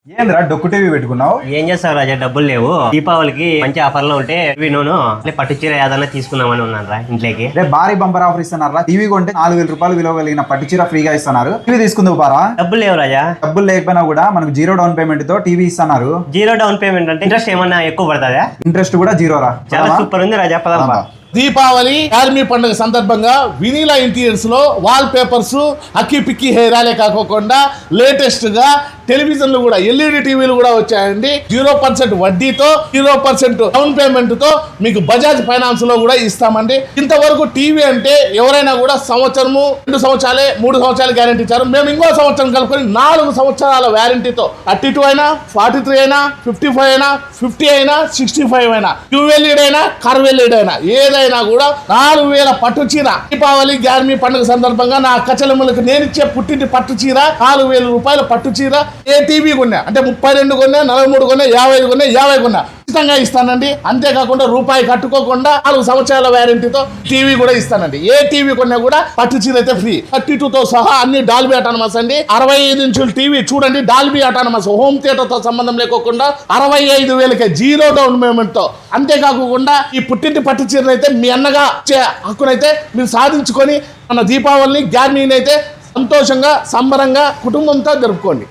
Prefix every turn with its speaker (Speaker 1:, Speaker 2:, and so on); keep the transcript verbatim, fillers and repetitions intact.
Speaker 1: ఏంద్రా డొక్కు టీవీ పెట్టుకున్నావు?
Speaker 2: ఏం చేస్తావు రాజా, డబ్బులు లేవు. దీపావళికి మంచి ఆఫర్లో ఉంటే టీవీ నూను పట్టు చీర ఏదన్నా తీసుకుందామని ఉన్నాను రా ఇంట్లోకి.
Speaker 1: రేపు భారీ బంపర్ ఆఫర్ ఇస్తున్నారు. టీవీ కొంటే నాలుగు వేల రూపాయలు విలువ కలిగిన పట్టు చీర ఫ్రీగా ఇస్తున్నారు. టీవీ తీసుకుందాం పారా.
Speaker 2: డబ్బులు లేవు రాజా.
Speaker 1: డబ్బులు లేకపోయినా కూడా మనకు జీరో డౌన్ పేమెంట్ తో టీవీ ఇస్తున్నారు.
Speaker 2: జీరో డౌన్ పేమెంట్ అంటే ఇంట్రెస్ట్ ఏమన్నా ఎక్కువ పడుతుందా?
Speaker 1: ఇంట్రెస్ట్ కూడా జీరో రా.
Speaker 2: చాలా సూపర్ ఉంది రాజా, పదమ్మా.
Speaker 3: దీపావళి ఆర్మీ పండుగ సందర్భంగా వినీలా ఇంటీరియర్స్ లో వాల్ పేపర్స్ అక్కి పిక్కి హెయిరాలే కాకోకుండా లేటెస్ట్ గా టెలివిజన్లు కూడా ఎల్ఈడి టీవీలు కూడా వచ్చాయండి. జీరో పర్సెంట్ వడ్డీతో జీరో పర్సెంట్ డౌన్ పేమెంట్ తో మీకు బజాజ్ ఫైనాన్స్ లో కూడా ఇస్తామండి. ఇంతవరకు టీవీ అంటే ఎవరైనా కూడా సంవత్సరము రెండు సంవత్సరాలే మూడు సంవత్సరాలు గ్యారంటీ ఇచ్చారు. మేము ఇంకో సంవత్సరం కలుపుకొని నాలుగు సంవత్సరాల వ్యారంటీతో థర్టీ టూ అయినా ఫార్టీ త్రీ అయినా ఫిఫ్టీ ఫైవ్ అయినా ఫిఫ్టీ అయినా సిక్స్టీ ఫైవ్ అయినా ట్యూవెల్ఈడ్ అయినా కర్వెల్ఈడ్ అయినా ఏదైనా అయినా కూడా నాలుగు వేల పట్టు చీర దీపావళి గ్యార్మీ పండుగ సందర్భంగా నా కచలములకు నేను ఇచ్చే పుట్టింటి పట్టు చీర నాలుగు వేల రూపాయల పట్టు చీర ఏ టీవీ కొన్నా అంటే ముప్పై రెండు కొన్నా నలభై మూడు కొన్నా యాభై ఐదు కొన్నా యాభై కొన్నా ఖచ్చితంగా ఇస్తానండి. అంతేకాకుండా రూపాయి కట్టుకోకుండా నాలుగు సంవత్సరాల వ్యారంటీతో టీవీ కూడా ఇస్తానండి. ఏ టీవీ కొన్నా కూడా పట్టు చీర అయితే ఫ్రీ. థర్టీ టూ తో సహా అన్ని డాల్బీ అటానమస్ అండి. అరవై ఐదు ఇంచుల టీవీ చూడండి, డాల్బీ అటానమస్ హోమ్ థియేటర్ తో సంబంధం లేకోకుండా అరవై ఐదు వేలకే జీరో డౌన్ పేమెంట్ తో. అంతేకాకుండా ఈ పుట్టింటి పట్టు చీరను అయితే మీ అన్నగా హక్కునైతే మీరు సాధించుకొని మన దీపావళిని గ్యార్మీని అయితే సంతోషంగా సంబరంగా కుటుంబంతో జరుపుకోండి.